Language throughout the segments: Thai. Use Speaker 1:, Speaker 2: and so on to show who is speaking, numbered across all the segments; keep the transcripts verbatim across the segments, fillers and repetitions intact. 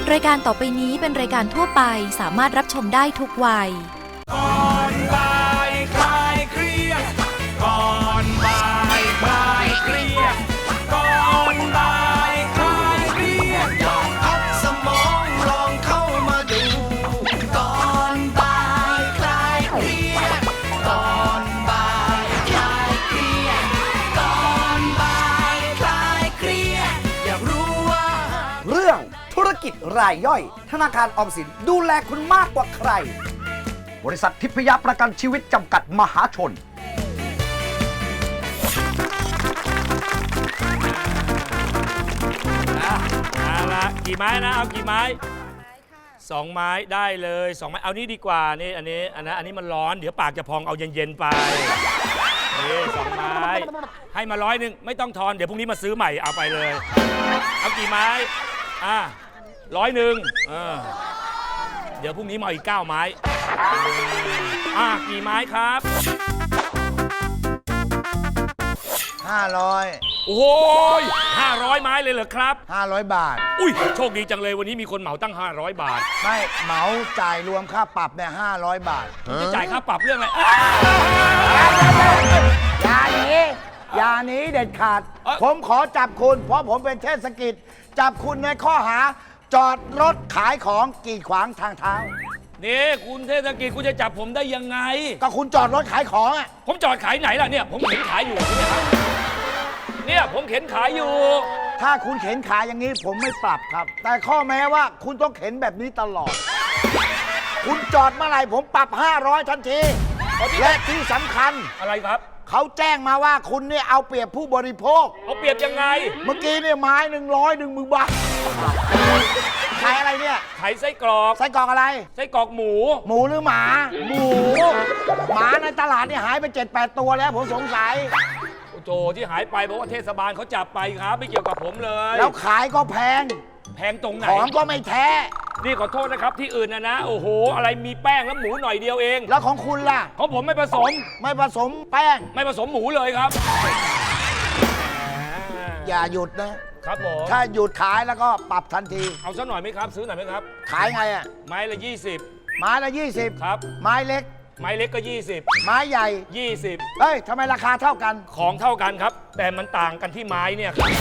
Speaker 1: รายการต่อไปนี้เป็นรายการทั่วไปสามารถรับชมได้ทุกวัย
Speaker 2: ก่อนบ่ายคลายเครียดก่อนบ่ายคลายเครียดก่อนบ่ายคลายเครียดลองพักสมองลองเข้ามาดูก่อนบ่ายคลายเครียดก่อนบ่ายคลายเครียดก่อนบ่ายคลายเครียดอยากรู้ว่า
Speaker 3: เรื่องธุรกิจรายย่อยธนาคารออมสินดูแลคุณมากกว่าใครบริษัททิพยประกันชีวิตจำกัดมหาชน
Speaker 4: เอาละกี่ไม้นะเอากี่ไม้สองไม้ได้เลยสองไม้เอานี้ดีกว่านี่อันนี้อันนั้นอันนี้มันร้อนเดี๋ยวปากจะพองเอาเย็นๆไปนี่สองไม้ให้มาร้อยหนึ่งไม่ต้องทอนเดี๋ยวพรุ่งนี้มาซื้อใหม่เอาไปเลยเอากี่ไม้อ่ะร้อยหนึ่งเออเดี๋ยวพรุ่งนี้มาอีกเก้าไม้อ่ะกี่ไม้ครับ
Speaker 5: ห้าร้อย
Speaker 4: โอ้โหห้าร้อยไม้เลยเหรอครับ
Speaker 5: ห้าร้อยบาท
Speaker 4: อุ้ยโชคดีจังเลยวันนี้มีคนเหมาตั้งห้าร้อยบาท
Speaker 5: ไม่เหมาจ่ายรวมค่าปรับเนี่ยห้าร้อยบาท
Speaker 4: จะจ่ายค่าปรับเรื่องอะไร
Speaker 5: อย่าหนีอย่าหนีเด็ดขาดผมขอจับคุณเพราะผมเป็นเทศกิจจับคุณในข้อหาจอดรถขายของกีดขวางทางเท้า
Speaker 4: นี่คุณเทศกิจคุณจะจับผมได้ยังไง
Speaker 5: ก็คุณจอดรถขายของอ่ะ
Speaker 4: ผมจอดขายไหนล่ะเนี่ยผมเข็นขายอยู่เนี่ยผมเข็นขายอยู่
Speaker 5: ถ้าคุณเข็นขายอย่างนี้ผมไม่ปรับครับแต่ข้อแม้ว่าคุณต้องเข็นแบบนี้ตลอดคุณจอดเมื่อไหร่ผมปรับห้าร้อยทันทีและที่สำคัญ
Speaker 4: อะไรครับ
Speaker 5: เขาแจ้งมาว่าคุณเนี่ยเอาเปรียบผู้บริโภค
Speaker 4: เอาเปรียบยังไง
Speaker 5: เมื่อกี้เนี่ยไม้หนึ่งร้อยหนึ่งหมื่นบาทขายอะไรเนี่ย
Speaker 4: ขายไส้กรอก
Speaker 5: ไส้กรอกอะไร
Speaker 4: ไส้กรอกหมู
Speaker 5: หมูหรือหมาหมูหมาในตลาดเนี่ยหายไป เจ็ดแปด ตัวแล้วผมสงสัย
Speaker 4: โจที่หายไปเพราะว่าเทศบาลเขาจับไปครับไม่เกี่ยวกับผมเลย
Speaker 5: แล้วขายก็แพง
Speaker 4: แพงตรงไหน
Speaker 5: ของก็ไม่แท้
Speaker 4: นี่ขอโทษนะครับที่อื่นนะนะโอ้โหอะไรมีแป้งแล้วหมูหน่อยเดียวเอง
Speaker 5: แล้วของคุณล่ะ
Speaker 4: ของผมไม่ผสม
Speaker 5: ไม่ผสมแป้ง
Speaker 4: ไม่ผสมหมูเลยครับ
Speaker 5: อย่าหยุดนะครับ
Speaker 4: ผม
Speaker 5: ถ้าหยุดขายแล้วก็ปรับทันที
Speaker 4: เอาสักหน่อยไหมครับซื้อหน่อยไหมครับ
Speaker 5: ขายไงอ่ะ
Speaker 4: ไม้ละยี่สิบ
Speaker 5: ไม้ละยี่สิบ
Speaker 4: ครับ
Speaker 5: ไม้เล็ก
Speaker 4: ไม้เล็กก็ยี่สิบ
Speaker 5: ไม้ใหญ่
Speaker 4: ยี่สิบ
Speaker 5: เฮ้ยทำไมราคาเท่ากัน
Speaker 4: ของเท่ากันครับแต่มันต่างกันที่ไม้เนี่ยครับ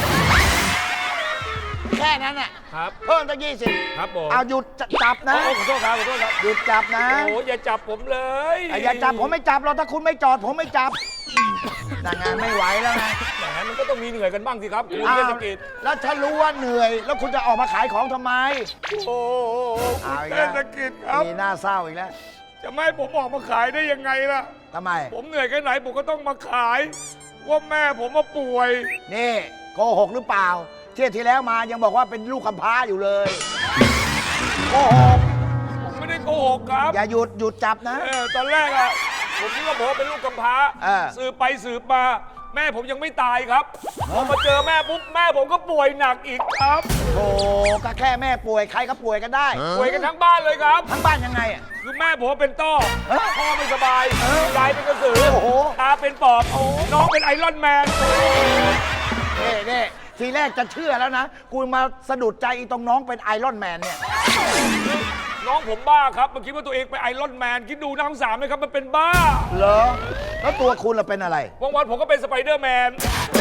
Speaker 5: แค่นั้นน่ะ
Speaker 4: ครับ
Speaker 5: เพิ่มตั้งยี่สิบ
Speaker 4: ครับผม
Speaker 5: เอาหยุดจับนะ
Speaker 4: ขอโทษครับขอโทษครับ
Speaker 5: หยุดจับนะ
Speaker 4: โอ้อย่าจับผมเลย
Speaker 5: อย่าจับผมไม่จับหรอกถ้าคุณไม่จอดผมไม่จับแต่งานไม่ไหวแล้วไง
Speaker 4: แหมมันก็ต้องมีเหนื่อยกันบ้างสิครับคุณเทศกิจ
Speaker 5: แล้วถ้ารู้ว่าเหนื่อยแล้วคุณจะออกมาขายของทำไม
Speaker 4: โอ้คุณเทศกิจครับ
Speaker 5: มีหน้าเศร้าอีกแล้ว
Speaker 4: จะไม่ให้ผมออกมาขายได้ยังไงล่ะ
Speaker 5: ทำไม
Speaker 4: ผมเหนื่อยแค่ไหนผมก็ต้องมาขายว่าแม่ผมมาป่วย
Speaker 5: นี่โกหกหรือเปล่าเที่ยวที่แล้วมายังบอกว่าเป็นลูกกำพร้าอยู่เลยโกหก
Speaker 4: ผมไม่ได้โกหกครับ
Speaker 5: อย่าหยุดหยุดจับนะ
Speaker 4: เออตอนแรกอะผมคิดว่าผมเป็นลูกกำพร้าสืบไปสืบมาแม่ผมยังไม่ตายครับพอมาเจอแม่ปุ๊บแม่ผมก็ป่วยหนักอีกครับ
Speaker 5: โอ้ก็แค่แม่ป่วยใครก็ป่วยกันได้
Speaker 4: ป่วยกันทั้งบ้านเลยครับ
Speaker 5: ทั้งบ้านยังไงอ่ะ
Speaker 4: คือแม่ผมเป็นต้อพ่อไม่สบายยายเป็นกระสือตาเป็นปอบน้องเป็นไอรอนแมน
Speaker 5: เน่เน่ทีแรกจะเชื่อแล้วนะกูมาสะดุดใจอีตรงน้องเป็นไอรอนแมนเนี่ย
Speaker 4: น้องผมบ้าครับมันคิดว่าตัวเองเป็นไอรอนแมนคิดดูน้ำสามไหมครับมันเป็นบ้า
Speaker 5: เหรอแล้วตัวคุณล่ะเป็นอะไร
Speaker 4: วันวันผมก็เป็นสไปเดอร์แมน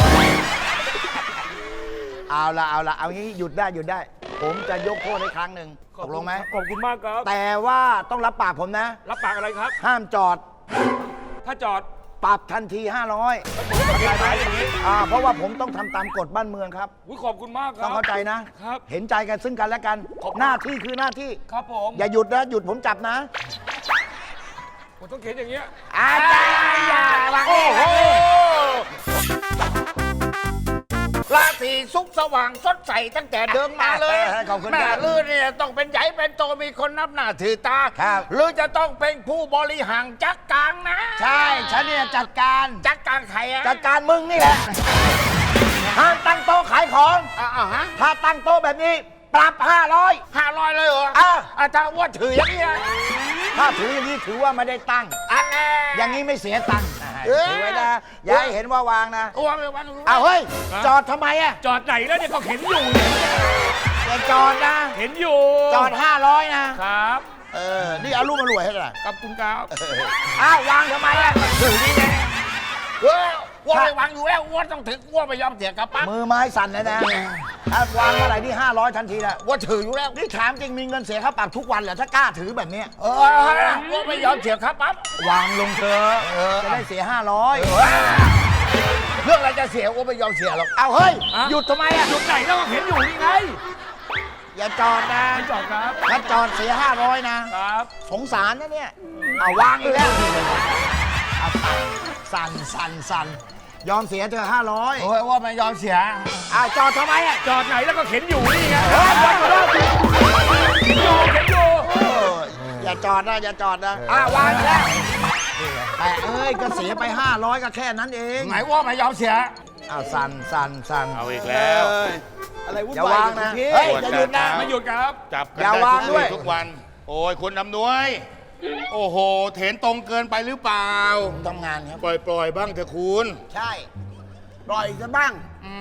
Speaker 5: เอาละเอาละเอางี้หยุดได้หยุดได้ผมจะยกโทษให้ครั้งหนึ่งตกลงไหม
Speaker 4: ขอบคุณมากครับ
Speaker 5: แต่ว่าต้องรับปากผมนะ
Speaker 4: รับปากอะไรครับ
Speaker 5: ห้ามจอด
Speaker 4: ถ้าจอด
Speaker 5: ปรับทันทีห้าร้อยอ่าเพราะว่าผมต้องทำตามกฎบ้านเมืองครับ
Speaker 4: ขอบคุณมากครับ
Speaker 5: ต้องเข้าใจนะครับเห็นใจกันซึ่งกันและกันหน้าที่คือหน้าที่
Speaker 4: ครับผม
Speaker 5: อย่าหยุดนะหยุดผมจับนะ
Speaker 4: ผมต้องเขียนอย่างเงี้ย
Speaker 5: อาจารย์อย่าโอ้โห
Speaker 6: ราศีสุขสว่างสดใสตั้งแต่เดินมาเลยแม่ลื่นเนี่ยต้องเป็นใหญ่เป็นโตมีคนนับหน้าถือตาหรือจะต้องเป็นผู้บริหารจัดการนะ
Speaker 5: ใช่ฉันเนี่ยจัดการ
Speaker 6: จัดการใครอะ
Speaker 5: จัดการมึงนี่แหละห้ามตั้งโต๊ะขายของ
Speaker 6: อ่าฮะ
Speaker 5: ถ้าตั้งโต๊ะแบบนี้ปรับห้าร้อย
Speaker 6: ห้าร้อยเลยเหรอ
Speaker 5: อ่ะ
Speaker 6: อาจารย์ว่าถืออย่างนี้
Speaker 5: ถ้าถืออย่างนี้ถือว่าไม่ได้ตั้ง
Speaker 6: อันแน่
Speaker 5: อย่างนี้ไม่เสียตังค์ถือไว้นะอย่าให้เห็นว่าวางนะ
Speaker 6: วางไปวาง
Speaker 5: เอาเฮ้ยจอดทำไมอะ
Speaker 4: จอดไหนแล้วเนี่ยก็เข็นอยู่
Speaker 5: อย่าจอดนะ
Speaker 4: เห็นอยู่
Speaker 5: จอดห้าร้อยนะครับ เออนี่เอารูปมารวยให้กัน
Speaker 4: ขอบคุณครับ
Speaker 5: อ้าววางทำไมอ่ะ
Speaker 6: ถือนี่แน่เฮ้ยอ้วนไปวางอยู่แล้วอ้วนต้องถึงอ้วนไปยอมเสียกระปั๊บ
Speaker 5: มือไม้สั่นเลยนะถ้าวางเมื่อไหร่นี่ห้าร้อยทันทีแหละ
Speaker 6: อ้วนถืออยู่แล้ว
Speaker 5: นี่ถามจริงมีเงินเสียค่าปรับทุกวันเหรอถ้ากล้าถือแบบเนี้ย
Speaker 6: เอออ้วนไม่ยอมเสียกระปั๊บ
Speaker 5: วางลงเถอะจะได้เสียห้าร้อย
Speaker 6: เรื่องอะไรจะเสียอ้วนไม่ยอมเสียหรอก
Speaker 5: เอาเฮ้ย
Speaker 4: อะ
Speaker 5: หยุดทำไมอ่ะ
Speaker 4: หยุดไหนแล้วเห็นอยู่นี่ไง
Speaker 5: อย่าจอดนะ
Speaker 4: ไม่จอดครับ
Speaker 5: ถ้าจอดเสียห้าร้อยนะครับ สงสารนะเนี่ยเอาวางอีกแล้วเอาสั่นสั่นสั่นยอมเสียเธอห้าร้อย
Speaker 6: โอ้ยอ้วนไม่ยอมเสีย
Speaker 5: อ้าวจอดทำไมอ่ะ
Speaker 4: จอดไหนแล้วก็เห็นอยู่นี่ไง
Speaker 5: เฮ้ย
Speaker 4: จอดอยู่เห็นอยู่เห็นอยู่
Speaker 5: เอออย่าจอดนะอย่าจอดนะอ้าววางอีกแล้วแต่เอ้ยก็เสียไปห้าร้อยก็แค่นั้นเอง
Speaker 6: ไหนอ้วนไม่ยอมเสีย
Speaker 5: อ้าวสั่นสั่นสั่น
Speaker 4: เอาอีกแล้ว
Speaker 3: อะไรวุ่น
Speaker 5: อย่าว
Speaker 3: าย
Speaker 5: วาง
Speaker 3: กัน
Speaker 5: นะ
Speaker 3: พี่
Speaker 5: เฮ้ยอย่าหยุดนะ
Speaker 4: ไม่หยุดครับ
Speaker 7: จับกัน
Speaker 5: อย่า
Speaker 7: ได้
Speaker 5: วาง
Speaker 7: ทุก
Speaker 5: ด้วย
Speaker 7: วี่ทุกวัน โอ้ยคุณอำนวย โอ้โห เถนตรงเกินไปหรือเปล่า
Speaker 5: ผมทำงานครับ
Speaker 7: ปล่อยปล่อยบ้างเถอะคุณ
Speaker 5: ใช่ปล่อยซะบ้าง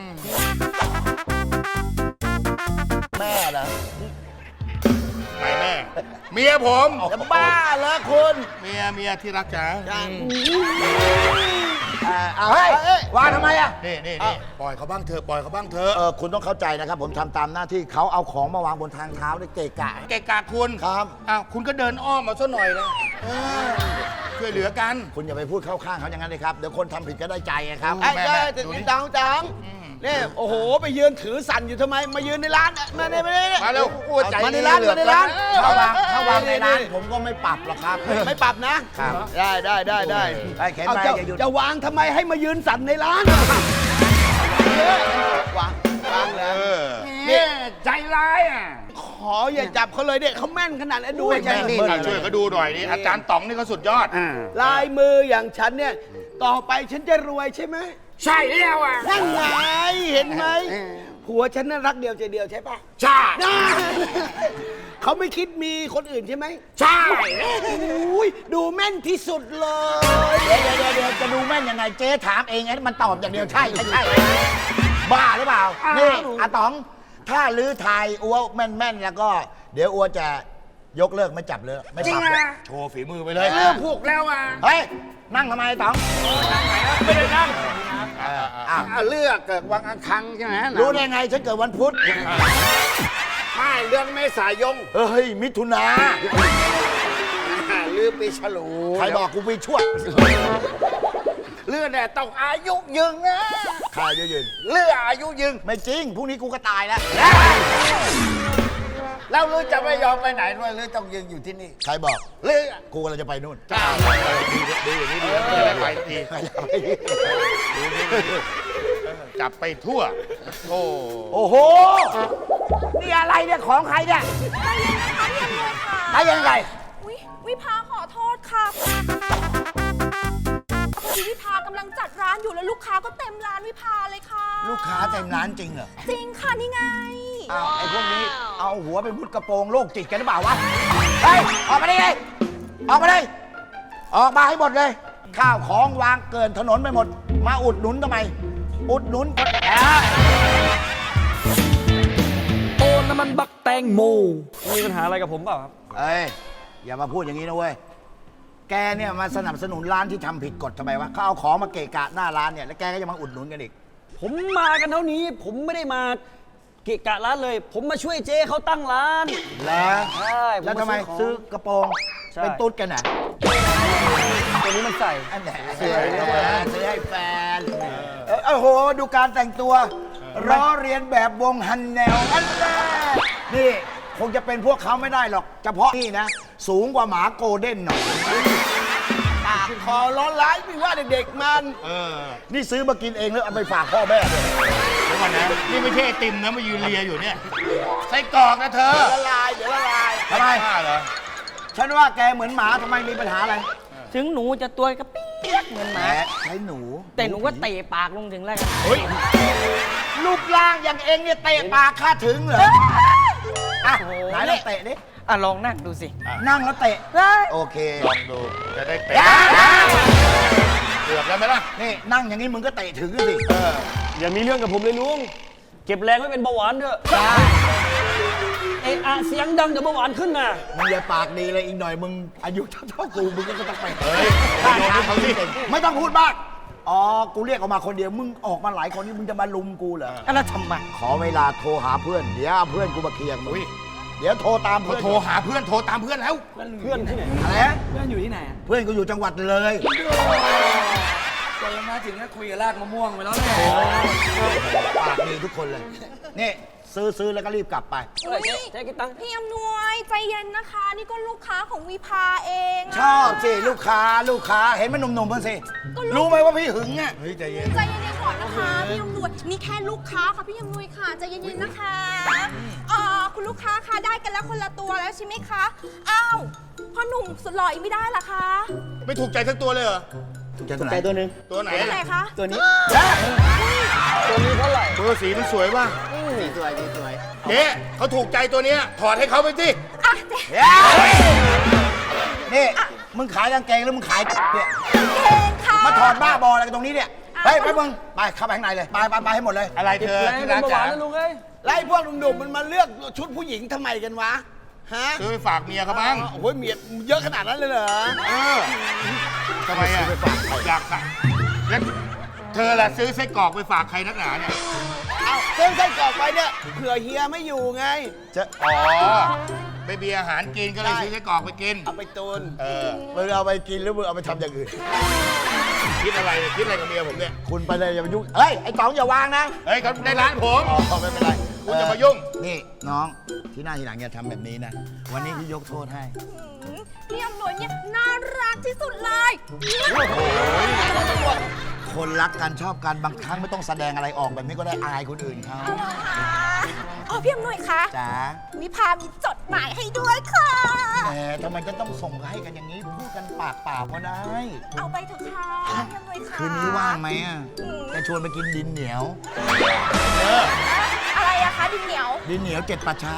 Speaker 5: แม่เหรอ
Speaker 7: ไหนแม่ เมียผม
Speaker 5: จะบ้าเหรอคุณ
Speaker 7: เมียเมียที่รักจ๋า
Speaker 5: เอ่อเอาเฮ้ยวางทำไมอ่ะ
Speaker 7: นี่นี่นี่ปล่อยเขาบ้างเถอะ ปล่อยเขาบ้างเถอะ
Speaker 5: เออคุณต้องเข้าใจนะครับ ผมทำตามหน้าที่เขาเอาของมาวางบนทางเท้าได้เกะกะ
Speaker 7: เกะกะคุณ
Speaker 5: ครับ
Speaker 7: อ้าวคุณก็เดินอ้อมมาซะหน่อยเลยเออช่วยเหลือกัน
Speaker 5: คุณอย่าไปพูดเข้าข้างเขาอย่างนั้นเลยครับ เดี๋ยวคนทำผิดก็ได้ใจไงครับ
Speaker 7: แม่แม่
Speaker 3: ไอ้
Speaker 7: ดูนี่
Speaker 3: จังจังเนี่ยโอ้โห ไปยืนถือสั่นอยู่ทำไม มายืนในร้านมาเนี่ยมาเนี่ย
Speaker 7: มาเร็ว
Speaker 6: อ้วนใจ
Speaker 3: มาในร้านมาในร้าน
Speaker 5: ถ้าวางถ้าวางในร้านผมก็ไม่ปรับหรอกครับ
Speaker 3: ไม่ปรับนะ
Speaker 5: ครับ
Speaker 3: ได้ได้ได้ได้
Speaker 5: ไอ้เข็น
Speaker 3: เอา
Speaker 5: ไป
Speaker 3: จะ
Speaker 5: อย่าหยุด
Speaker 3: จะวางทำไมให้มายืนสั่นในร้านวางวางเล
Speaker 7: เอย อ
Speaker 6: นี่ใจร้ายอ่ะ
Speaker 3: ขออย่าจับเขาเลยเนี่ยเขาแม่นขนาดนั้นดู
Speaker 5: อุ้ย
Speaker 3: ใช่
Speaker 5: แม่น
Speaker 3: ไหม
Speaker 7: อ่ะช่วยเขาดูหน่อยนี่อาจารย์ต๋องนี่ก็สุดยอด
Speaker 3: ลายมืออย่างฉันเนี่ย ต่อไปฉันจะรวยใช่ไหม
Speaker 6: ใช่แล้วอ่ะ
Speaker 3: นั่นไงเห็นไหมผัวฉันน่ารักเดียวใจเดียวใช่ปะ
Speaker 6: ใช่
Speaker 3: น่าเขาไม่คิดมีคนอื่นใช่ไหม
Speaker 6: ใช่
Speaker 3: อุ้ยดูแม่นที่สุดเลย
Speaker 5: เดี๋ยวเดี๋ยวเดี๋ยวจะดูแม่นยังไงเจ๊ถามเองไงมันตอบอย่างเดียวใช่ไม่ใช่บ้าหรือเปล่านี่อาต๋อง ถ้าลื้อทายอัวแม่นๆแล้วก็ เดี๋ยวอัวจะยกเลิกไม่จับเลยไม่
Speaker 6: จริ
Speaker 5: ป
Speaker 6: ง
Speaker 5: รับเลย
Speaker 6: อ่ะ
Speaker 7: โชว์ฝีมือไปเลย
Speaker 6: เรื่องผูกแล้วอ่ะ
Speaker 5: เฮ้ยนั่งทำไมอาต๋อง
Speaker 4: ไม่ได้นั่ง
Speaker 5: อ้าว
Speaker 6: อ่ะเลือกเกิดวังอังคังใช่ไหม
Speaker 5: รู้ได้ไงฉันเกิดวันพุธ
Speaker 6: ไม่เรื่องเมษายน
Speaker 5: เฮ้ยมิถุนา
Speaker 6: อ่ะลือปีฉลู
Speaker 5: ใครบอกกูไปชั่ว
Speaker 6: เรื่องเนี่ยต้องอายุยืนนะ
Speaker 5: ใครจะยืน
Speaker 6: เรื่องอายุยืน
Speaker 5: ไม่จริงพรุ่งนี้กูก็ตายแล้ว
Speaker 6: แล้วลือจะไม่ยอมไปไหนด้วยลือต้องยืนอยู่ที่นี่
Speaker 5: ใครบอก
Speaker 6: ลือ
Speaker 5: กูกำลังจะไปนู่น
Speaker 7: ดูอย่างนี้ดีแล้วจะได้ไปที จับไปทั่ว โอ้
Speaker 5: โอ้โห นี่อะไรเนี่ยของใครเนี่ย
Speaker 8: ใจเย็นนะคะพี่อำนวยค่ะ
Speaker 5: ได้ยังไง
Speaker 8: อุ๊ยวิภาขอโทษค่ะพอดีวิภากำลังจัดร้านอยู่แล้วลูกค้าก็เต็มร้านวิภาเลยค่ะ
Speaker 5: ลูกค้าเต็มร้านจริงเหรอ
Speaker 8: จริงค่ะนี่ไง
Speaker 5: อ้าวไอ้พวกนี้เอาหัวไปมุดกระโปรงโรคจิตกันหรือเปล่าวะ เฮ้ย ออกมาได้เลยออกมาเลยออกมาให้หมดเลย ข้าวของวางเกินถนนไปหมด มาอุดหนุนทำไม อุดหนุนคนแอบ
Speaker 9: โอ้น้ำมันบักแตงโมมีปัญหาอะไรกับผมเปล่าครับ
Speaker 5: เอ้ย อย่ามาพูดอย่างนี้นะเว้ย แกเนี่ยมาสนับสนุนร้านที่ทำผิดกฎทำไมวะเขาเอาของมาเกะกะหน้าร้านเนี่ย แล้วแกก็จะมาอุดหนุนกันอีก
Speaker 9: ผมมากันเท่านี้ ผมไม่ได้มาเกะกะร้านเลย ผมมาช่วยเจ๊เขาตั้งร้าน
Speaker 5: แล้ว
Speaker 9: ใช่ผ
Speaker 5: แล้วทำไม
Speaker 9: า
Speaker 5: ซื้อกระโปรง
Speaker 9: ใช่
Speaker 5: เป็นตุ๊ดกันน่ะ
Speaker 9: ตัวนี้มันใส่
Speaker 5: อันไหนซื้อซื้อให้แฟนเออโอ้โห ดูการแต่งตัวล้อเรียนแบบวงฮันแนวอันแรกนี่คงจะเป็นพวกเขาไม่ได้หรอก เฉพาะนี่นะ สูงกว่าหมาโกลเด้นหน่อย
Speaker 3: ปากคอร้อนร้ายไม่ว่าเด็กๆมัน
Speaker 7: เออ
Speaker 5: นี่ซื้อมากินเองแล้วเอาไปฝากพ่อแม่ด้วย
Speaker 7: เดี๋ยวก่อนนะ นี่ไม่ใช่ไอติมนะมายืนเลียอยู่เนี่ย ไส้กรอกนะเธอ
Speaker 3: ละลายเดี๋ยวละลาย
Speaker 5: ทำไม
Speaker 7: บ้าเหรอ
Speaker 5: ฉันว่าแกเหมือนหมาทำไมมีปัญหาอะไร
Speaker 10: ถึงหนูจะตัวกระเปียกเหมือนห
Speaker 5: แหม
Speaker 10: มา
Speaker 5: ใช้หนู
Speaker 10: แต่หนูก็เตะปากลงถึงแล้วกัน
Speaker 7: เฮ้ย
Speaker 5: รูปร่างอย่างเองเนี่ยเตะปากข้าถึงเหรออ่ะไหนลองเตะดิ
Speaker 10: อ่ะลองนั่งดูสิ
Speaker 5: นั่งแล้วเตะ
Speaker 10: ได้
Speaker 5: โอเค
Speaker 7: ลองดู จะได้เตะเกือบแล้วไหมล่ะ
Speaker 5: นี่นั่งอย่างนี้มึงก็เตะถึงสิ
Speaker 9: อย่ามีเรื่องกับผมเลยลุง เก็บแรงไว้เป็นเบาหวานเถอะ เอะอะเสียงดังเดี๋ยวเบาหวานขึ้นนะ
Speaker 5: มึงอย่าปากดีเลยอีกหน่อยมึงอายุเท่าๆกูมึงก็ต้องไป
Speaker 7: เฮ้ยโยนให้เขาสิ
Speaker 5: ไม่ต้องพูดมากอ๋อกูเรียกออกมาคนเดียวมึงออกมาหลายคนนี่มึงจะมาลุมกูเหรอ
Speaker 10: แล้วทำไม
Speaker 5: ขอเวลาโทรหาเพื่อนเดี๋ยวเอาเพื่อนกูมาเคลียร์มึงเดี๋ยวโทรตาม
Speaker 7: เขา
Speaker 5: เพื่อน
Speaker 7: โทรหาเพื่อนโทรตามเพื่อนแล้ว
Speaker 9: เพื่อนที่ไหน
Speaker 5: อะไรนะ
Speaker 10: เพื่อนอยู่ที่ไหน
Speaker 5: เพื่อนกูอยู่จังหวัดเลย
Speaker 10: ตอนมาถึงก็คุยกับรากมะม่วงไปแล้วแหละ
Speaker 5: ปากดีทุกคนเลยนี่ซื้อซื้อแล้วก็รีบกลับไป
Speaker 8: อุ๊ย
Speaker 9: ใช้กี่ตังค์
Speaker 8: พี่อำนวยใจเย็นนะคะ นี่ก็ลูกค้าของวิภาเองะ
Speaker 5: ชอบสิลูกค้าลูกค้าเห็นมันหนุ่มๆบ้างสิรู้ไหมว่าพี่หึงอ่ะ
Speaker 7: เฮ้ยใจเย็น
Speaker 8: ใจเย็นๆก่อนนะคะพี่อำนวยนี่แค่ลูกค้าค่ะพี่อำนวยค่ะใจเย็นๆนะคะเอ่อคุณลูกค้าคะได้กันแล้วคนละตัวแล้วใช่ไหมคะอ้าวพ่อหนุ่มสุดหล่ออีกไม่ได้เหรอคะ
Speaker 7: ไม่ถูกใจสักตัวเลยเหรอ
Speaker 5: ถูกใจตัวไหน
Speaker 9: ใจตัวหนึ่ง
Speaker 7: ตัวไหน
Speaker 8: ตัวไหนคะ
Speaker 9: ตัวนี้
Speaker 5: เจ๊
Speaker 9: ตัวนี้เท่าไหร่
Speaker 7: ตัวสีมันสวยป่ะ
Speaker 5: สีสวยสีสวย
Speaker 7: เจ๊เขาถูกใจตัวเนี้ยถอดให้เขาไปสิ
Speaker 8: อ่ะเจ๊
Speaker 5: นี่มึงขายกางเกงแล้วมึงขายเนี่ย
Speaker 8: เก่งค่ะ
Speaker 5: มาถอดบ้าบออะไรกันตรงนี้เนี่ยเฮ้ยไปมึงไปเข้าไปข้างในเลยไปไปไปให้หมดเลย
Speaker 7: อะไรเธอ
Speaker 9: แรง
Speaker 7: ที่
Speaker 9: เป็น
Speaker 7: รัก
Speaker 9: เบาห
Speaker 7: จ๋า
Speaker 9: วานนะลุงเอ้ย
Speaker 6: ไล่พวกหนุ่มๆมันมาเลือกชุดผู้หญิงทำไมกันวะ ฮะ
Speaker 7: ซื้อไปฝากเมียเขาบ้าง
Speaker 6: โอ้โหเมียเยอะขนาดนั้นเลยเหรอ
Speaker 7: เออทำไมอ่ะอยากสั่งแล้วเธอล่ะซื้อไส้กรอกไปฝากใครนักหนาเนี่ย
Speaker 6: เอาเส้นไส้กรอกไปเนี่ยเผื่อเฮียไม่อยู่ไง
Speaker 5: จะ
Speaker 7: อ๋อไปเบียร์อาหารกินก็เลยซื้อไส้กรอกไปกิน
Speaker 6: เอาไปตุน
Speaker 7: เออ
Speaker 5: มึงเอาไปกินหรือมึงเอาไปทำอย่างอื่น
Speaker 7: คิดอะไรเนี่ยคิดอะไรกับเมียผมเนี่ย
Speaker 5: คุณไปเลยอย่ามายุ่งเฮ้ยไอ้ต๋องอย่าวางนะ
Speaker 7: เฮ้ยเขาในร้านผม
Speaker 5: อ๋อไม่เป็นไร
Speaker 7: คุณอย่ามายุ่ง
Speaker 5: นี่น้องที่หน้าทีหลังอย่าทำแบบนี้นะวันนี้พี่ยกโทษให้
Speaker 8: อืมพี่อำนวยเนี่ยน่ารักที่สุดเลย
Speaker 5: คนรักกันชอบกันบางครั้งไม่ต้องแสดงอะไรออกแบบนี้ก็ได้อายคนอื่นเขา
Speaker 8: เอาเหรอคะอ๋อพี่อำนวยคะ
Speaker 5: จ๋า
Speaker 8: วิภามีจดหมายให้ด้วยค่ะ
Speaker 5: แหมทำไมจะต้องส่งให้กันอย่างนี้พูดกันปากเปล่าก็ได้
Speaker 8: เอาไปเถอะค่ะพี่อำนวยค่ะ
Speaker 5: คืนนี้ว่างไหมอ่ะจะชวนไปกินดินเหนียว
Speaker 8: อะไรอะคะดินเหนียว
Speaker 5: ดินเหนียวเจ็ดป่าช้า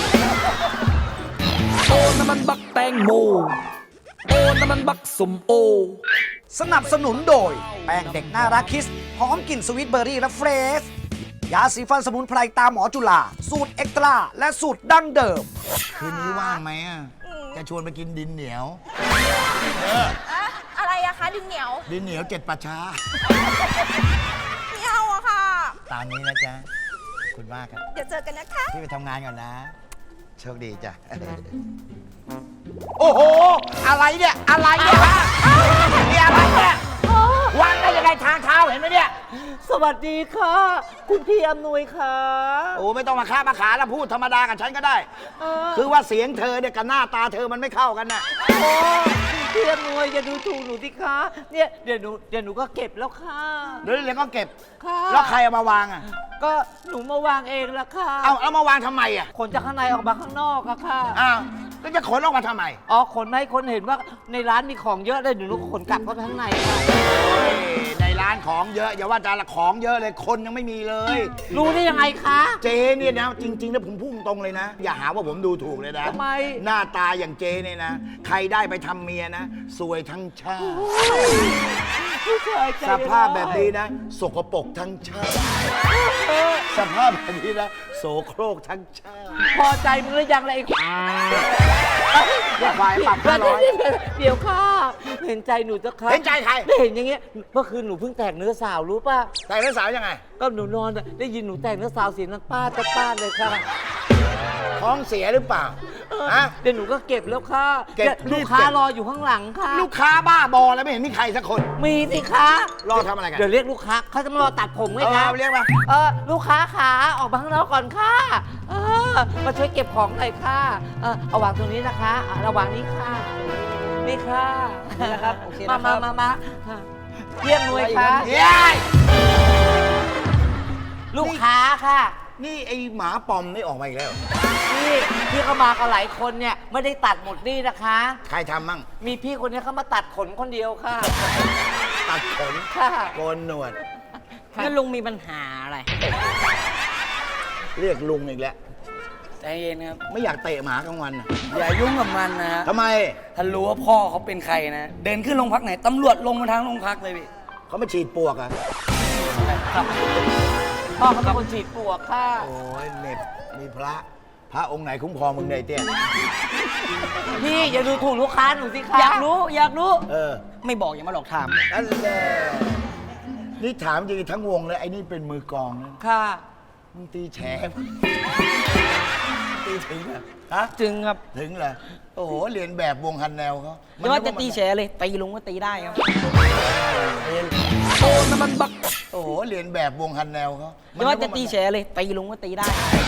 Speaker 11: โอ้น้ำมันบักแตงโมโอ้น้ำมันบักสมโอ
Speaker 3: สนับสนุนโดย แป้งเด็กน่ารักคิสหอมกลิ่นสวีทเบอร์รี่และเฟรชยาสีฟันสมุนไพรตาหมอจุฬาสูตรเอ็กตร้าและสูตรดั้งเดิม
Speaker 5: คืนนี้ว่างไหมอ่ะจะชวนไปกินดินเหนียว
Speaker 8: อะอะไรอะคะดินเหนียว
Speaker 5: ดินเหนียวเจ็ดป่าช้า
Speaker 8: ไม่เอาอะค่ะ
Speaker 5: ตามนี้นะจ๊ะขอบคุณมากครับ
Speaker 8: เดี๋ยวเจอกันนะคะ
Speaker 5: พี่ไปทำงานก่อนนะ โชคดีจ้ะ
Speaker 6: โอ้โห อะไรเนี่ย อะไรเนี่ยฮะนี่อะไรเนี่ยวางได้ยังไงทางเท้าเห็นไหมเนี่ย
Speaker 10: สวัสดีค่ะ คุณพี่อำนวยค่ะ
Speaker 5: โอ้ไม่ต้องมาค้ามาขาแล้วพูดธรรมดากับฉันก็ได้
Speaker 10: เออ
Speaker 5: คือว่าเสียงเธอเนี่ยกับหน้าตาเธอมันไม่เข้ากันน่ะ
Speaker 10: โอ้พี่อำนวยอย่าดูถูกหนูสิคะเนี่ยเดี๋ยวหนูเดี๋ยวหนูก็เก็บแล้วค่ะ
Speaker 5: เดี๋ยวเดี๋ยวก็เก็บ
Speaker 10: ค่ะ
Speaker 5: แล้วใครเอามาวางอ่ะ
Speaker 10: ก็หนูมาวางเองละค่ะ
Speaker 5: เอาเอามาวางทำไมอ่ะ
Speaker 10: ขนจากข้างในออกมาข้างนอกอะค่ะ
Speaker 5: อ้าวแล้วจะขนออกมาทำไม
Speaker 10: อ๋อขนมาให้คนเห็นว่าในร้านมีของเยอะเลยหนูขนกลับเข้าไปข้างในค่ะ
Speaker 5: เฮ้ยในร้านของเยอะอย่าว่าแต่ละของเยอะเลยคนยังไม่มีเลย
Speaker 10: รู้ได้ยังไงคะ
Speaker 5: เจเนี่ยนะจริงๆแล้วผมพูดตรงเลยนะ อย่าหาว่าผมดูถูกเลยนะ
Speaker 10: ทำไม
Speaker 5: หน้าตาอย่างเจเนี่ยนะ ใครได้ไปทำเมียนะสวยทั้งชาติ
Speaker 10: ผู้ชายใจ
Speaker 5: ส
Speaker 10: ร้ย
Speaker 5: ภาพแบบนี้นะ สกปรกทั้งชาติสภาพแบบนี้นะโสโครกทั้งชาติ
Speaker 10: พอใจมึงหรือยังล่ะไอ้
Speaker 5: อย่าควายปรับห้าร้อย
Speaker 10: เดี๋ยวค่ะ เห็นใจหนูจะค่ะ
Speaker 5: เห็นใจใคร
Speaker 10: ไม่เห็นอย่างเงี้ยเมื่อคืนหนูเพิ่งแตกเนื้อสาวรู้ป่ะ
Speaker 5: แต่เรื่องสาวยังไง
Speaker 10: ก็หนูนอนอะได้ยินหนูแตกเนื้อสาวเสียงนังป้าดป้าดเลยค่ะ
Speaker 5: ท้องเสียหรือเปล่าฮะ
Speaker 10: เดี๋ยวหนูก็เก็บแล้วค่ะ
Speaker 5: เก็บ
Speaker 10: ดี๋ยวลูกค้ารออยู่ข้างหลังค่ะ
Speaker 5: ลูกค้าบ้าบอแล้วไม่เห็นมีใครสักคน
Speaker 10: มีสิคะ
Speaker 5: รอทำอะไรกัน
Speaker 10: เดี๋ยวเรียกลูกค้าเขาจะมารอตัดผมไง
Speaker 5: เอ
Speaker 10: คะ
Speaker 5: อเรียกมา
Speaker 10: เออลูกค้าขาออกมาข้างนอกก่อนค่ะเออมาช่วยเก็บของหน่อยค่ะเออเอาวางตรงนี้นะคะอ่ะระวางนี้ค่ะนี่ค่ะ
Speaker 9: นี่นะครับโอเค
Speaker 10: มา
Speaker 9: นะครับ
Speaker 10: มามามาค่ะเรียกหน่วยค่ะ
Speaker 5: เย้ย
Speaker 10: ลูกค้าค่ะ
Speaker 5: นี่ไอหมาปอมนี่ออกมาอีกแล้ว
Speaker 10: พี่พี่เขามากันหลายคนเนี่ยไม่ได้ตัดหมดนี่นะคะ
Speaker 5: ใครทำมั่ง
Speaker 10: มีพี่คนนี้เขามาตัดขนคนเดียวค่ะ
Speaker 5: ตัดขน
Speaker 10: ค่ะ
Speaker 5: โกนหนวด
Speaker 10: งั้นลุงมีปัญหาอะไร
Speaker 5: เรียกลุงอีกแล้ว
Speaker 10: ใจเย็นครับ
Speaker 5: ไม่อยากเตะหมากลางวันน่ะ
Speaker 10: อย่ายุ่งกับมันนะ
Speaker 5: ทำไม
Speaker 10: ถ้ารู้ว่าพ่อเขาเป็นใครนะ เดินขึ้นโรงพักไหนตำรวจลงมาทางโรงพักเลยพี่
Speaker 5: เขามาฉีดปวกอ่ะ
Speaker 10: พ่อเขาเป็นคนฉีดปลวกค่ะ
Speaker 5: โอ้ยเหน็บมีพระพระองค์ไหนคุ้มครองมึงเนี่ยไอ้เตี้ย
Speaker 10: พี่อย่าดูถูกลูกค้าหนูสิคะ
Speaker 9: อยากรู้อยากรู้
Speaker 5: เออ
Speaker 9: ไม่บอกอย่ามาหลอกถาม
Speaker 5: นั่นแหละนี่ถามจริงๆทั้งวงเลยไอ้นี่เป็นมือกลองนะ
Speaker 10: ค่ะ
Speaker 5: มึงตีแฉมตีถึงเหรอฮะ
Speaker 9: จึงครับ
Speaker 5: ถึงเหรอโอ้โหเรียนแบบวงฮันแนวเขา
Speaker 9: ไม่ว่าจะตีแฉเลย ตีลุงก็ตีได้ครับ
Speaker 5: โอ้น้ำมันบักโอ้โหเรียนแบบวงฮันแนวเขา
Speaker 9: ไม่ว่าจะตีแฉเลย ตีลุงก็ตีได้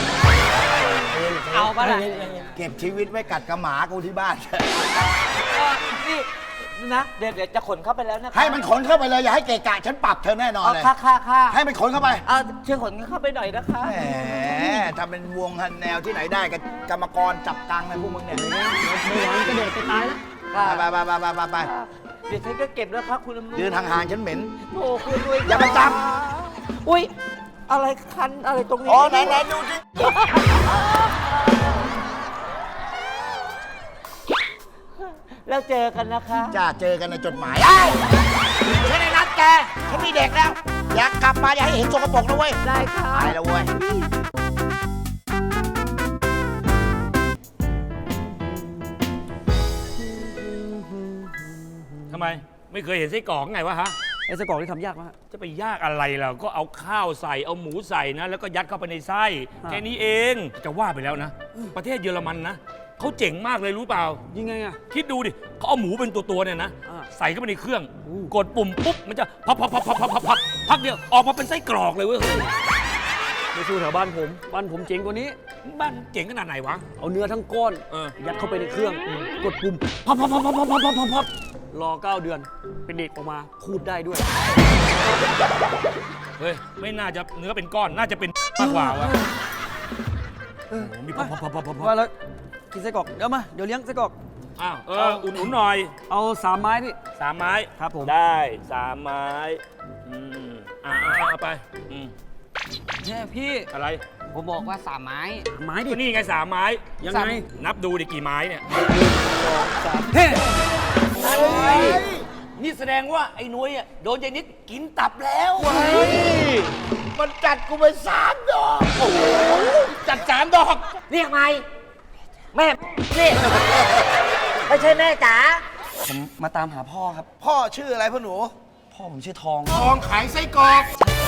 Speaker 9: เอาปะล่ะ
Speaker 5: เก็บชีวิตไว้กัดกระหมากูที่บ้าน
Speaker 10: นี่นะ เดี๋ยวเดี๋ยวจะขนเข้าไปแล้วนะคะ
Speaker 5: ให้มันขนเข้าไปเลยอย่าให้เกะกะฉันปรับเธอแน่นอน
Speaker 10: เอา
Speaker 5: เลย
Speaker 10: ค่ะค่ะค่ะ
Speaker 5: ให้มันขนเข้าไป
Speaker 10: เอาช่วยขนเข้าไปหน่อยนะคะ
Speaker 5: แหมทำเป็นวงฮันแนวที่ไหนได้กับกรรมกรจับตังค์นะพวกมึงเนี่ย
Speaker 9: ไม่ไหวกระโดดไปตายแล้ว
Speaker 5: ไปไปไปไปไปไป
Speaker 10: เดี๋ยวฉันก็เก็บแล้วครับคุณอำนวย
Speaker 5: ยืนห่างๆฉันเหม็น
Speaker 10: โอ้คุณด้วย
Speaker 5: อย่ามาจับ
Speaker 10: อุ้ยอะไรคันอะไรตรงนี้
Speaker 5: อ๋อไหนไหนดูสิ
Speaker 10: แล้วเจอกันนะคะ
Speaker 5: จ้าเจอกันในจดหมายเอ้ยฉันได้นัดแกฉันมีเด็กแล้ว อยากกลับมาอย่าให้เห็นสกปรกนะเว้ย
Speaker 10: ได้ค่ะ
Speaker 5: ไปแล้วเว้ย
Speaker 4: ทำไมไม่เคยเห็นไส้กรอกไงวะฮะ
Speaker 9: ไอ้สกอกที่ทำยากมาก
Speaker 4: จะไปยากอะไรล่ะก็เอาข้าวใส่เอาหมูใส่นะ แล้วก็ยัดเข้าไปในไส้
Speaker 9: อ่า
Speaker 4: แค่นี้เองจะว่าไปแล้วนะ ประเทศเยอรมันนะเขาเจ๋งมากเลยรู้เปล่า
Speaker 9: ยังไงอะ
Speaker 4: คิดดูดิเขาเอาหมูเป็นตัวๆเนี่ยนะ
Speaker 9: อ่า
Speaker 4: ใส่เข้าไปในเครื่อง กดปุ่มปุ๊บมันจะพับพับพับพับพับพับพับพักเดียวออกมาเป็นไส้กรอกเลยเว้ย
Speaker 9: ไปสู้แถวบ้านผม บ้านผมเจ๋งกว่านี้
Speaker 4: บ้านเจ๋งขนาดไหนวะ
Speaker 9: เอาเนื้อทั้งก้อน
Speaker 4: เออ
Speaker 9: ยัดเข้าไปในเครื่อง กดปุ่มพับพับพับพับพับพับพับพับรอเก้าเดือน เป็นเด็กออกมา พูดได้ด้วย
Speaker 4: เฮ้ยไม่น่าจะเนื้อเป็นก้อนน่าจะเป็นมากกว่าวะโอ้โหมีพับพับพับพับพับ
Speaker 9: ว่าแล้วกินไส้กรอกเดี๋ยวมา เดี๋ยวเลี้ยงไส้กรอก
Speaker 4: อ้าวเอออุ่นๆหน่อย
Speaker 9: เอาสามไม้พี่
Speaker 4: สามไม้
Speaker 9: ครับผม
Speaker 4: ได้สามไม้อืมอ่าเอาไปอืม
Speaker 9: เนี่ยพี่
Speaker 4: อะไร
Speaker 9: ผมบอกว่าสามไม้ไม้ดิ
Speaker 4: ก็นี่ไงสามไม้
Speaker 9: ยังไง
Speaker 4: นับดูดิกี่ไม้เนี่ย
Speaker 9: เฮ้
Speaker 10: นี่แสดงว่าไอ้นุ้ยอ่ะโดนยายนิดกินตับแล้ว
Speaker 5: มันจัดกูไปสามดอก
Speaker 4: จัดสามดอก
Speaker 10: เรียกไหมแม่นี่ไม่ใช่แม่จ๋า
Speaker 9: ผมมาตามหาพ่อครับ
Speaker 5: พ่อชื่ออะไรพ่อหนู
Speaker 9: พ่อผมชื่อทอง
Speaker 7: ทองขายไส้กรอก
Speaker 10: โ